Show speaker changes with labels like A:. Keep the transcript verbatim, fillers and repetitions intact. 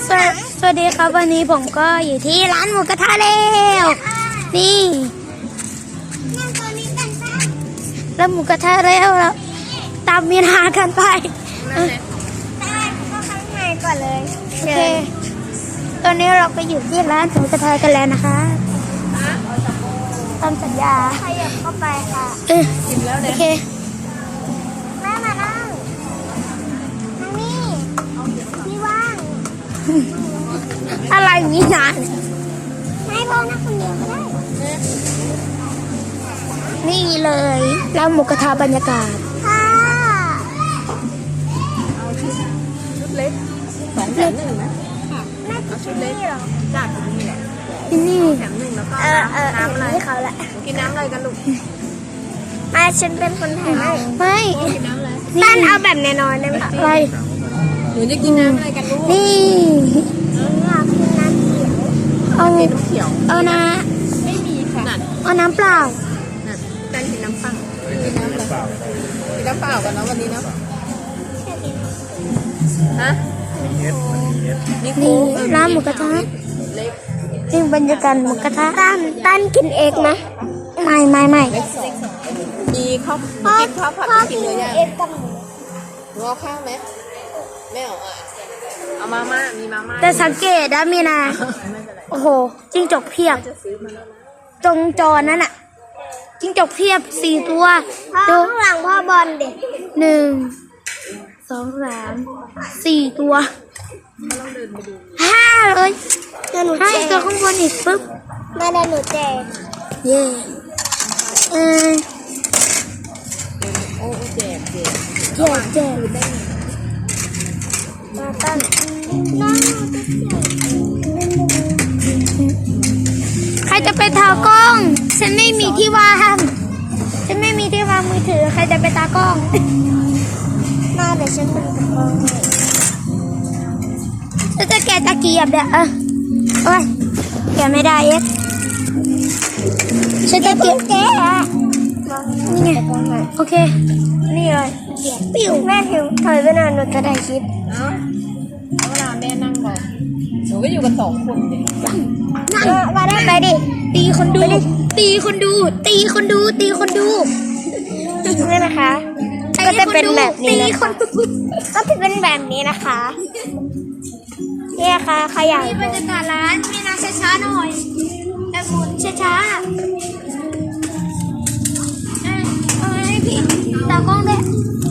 A: สวัสสวัสดีครับวันนี้ผมก็อยู่ที่ร้านหมูกระทะแล้วนี่แล้วหมูกระทะแล้วแล้วตามมีนากันไปได้ก็ข้างในก่อนเลยโอเคตอนนี้เราไปอยู่ที่ร้านหมูกระทะกันแล้วนะคะตามสัญญาขยับเข้าไปค่ะเออโอเคแม่มานั่งนั่งนี่พี่ว่างอะไรนี่นานไม่พอนะคนเดียวก็ได้นี่เลยร้านหมูกระทะบรรยากาศค่ะ
B: เอาชุดชุดเล็กสองแถมหนึ่งนะค่ะเอาชุดเล็กจากตรงนี้แหละ
A: นี่
B: แถมหนึ่งแล้วก็
A: เออเออ
B: น้ำอะไร
A: ให้เขาแหละ
B: กินน้ำอะไรกันลูก
A: มาฉันเป็นคนถ่ายให้ไม่
B: กินน้ำอะไร
A: ตั้นเอาแบบแน่นอนได้ไหมอะไร
B: หนูจะกินน้ำอะไรกันลูก
A: นี่อยากกินน้ำเขียวเอา
B: กินน้ำเขียว
A: เอานะ
B: ไม่มีค่ะ
A: เอาน้ำเปล่า
B: นั่นตั้นกินน้ำปังกินน้ำเปล่ากินน้ำเปล่ากันเนาะวันนี้เนาะฮะ
A: นี่ร้านหมูกระทะนี่บรรยากาศหมูกระทะตั้นตั้นกินเองนะไม่ไม่ไม่
B: มีข้าวกินข้าวผัดกินเลยยังรอข้าวไหมไม่เอาอ่ะเอามาม่ามีมาม่า
A: แต่สังเกตนะมีนาโอ้โหจิ้งจกเพียบตรงจอนั่นอะจิ้งจกเพียบสี่ตัวดูข้างหลังพ่อบอลเด็กหนึ่งสองสามสี่ตัวห้าเลยห้าตัวข้างบนอีกปึ๊บมาได้หนูแจกเย่เออ
B: โอ้แจกแจก
A: แจกแจกมาตั้งใครจะไปทากล้องฉันไม่มีที่วางฉันไม่มีที่วางมือถือใครจะไปตากล้องมาเดี๋ยวฉันเป็นตากล้องฉันจะแกะตะเกียบเดี๋ยวเออโอ้ยแกะไม่ได้เอ๊ะฉันจะเก็บแกะนี่ไงโอเคนี่เลยปิวแม่ผิวถอยไปนานหนูจะได้คลิป
B: เนาะเอาเวลาแม่นั่งก่อนหนูก็อยู่กันสองคนเลย
A: นั่งมาได้ไปดิตีคนดูตีคนดูตีคนดูตีคนดูนี่นะคะก็จะเป็นแบบนี้นะคะก็จะเป็นแบบนี้นะคะนี่ค่ะขยายบรรยากาศร้านมีนาช้าๆหน่อยแต่หมุนช้าๆเอาให้พี่ตากล้องด้วย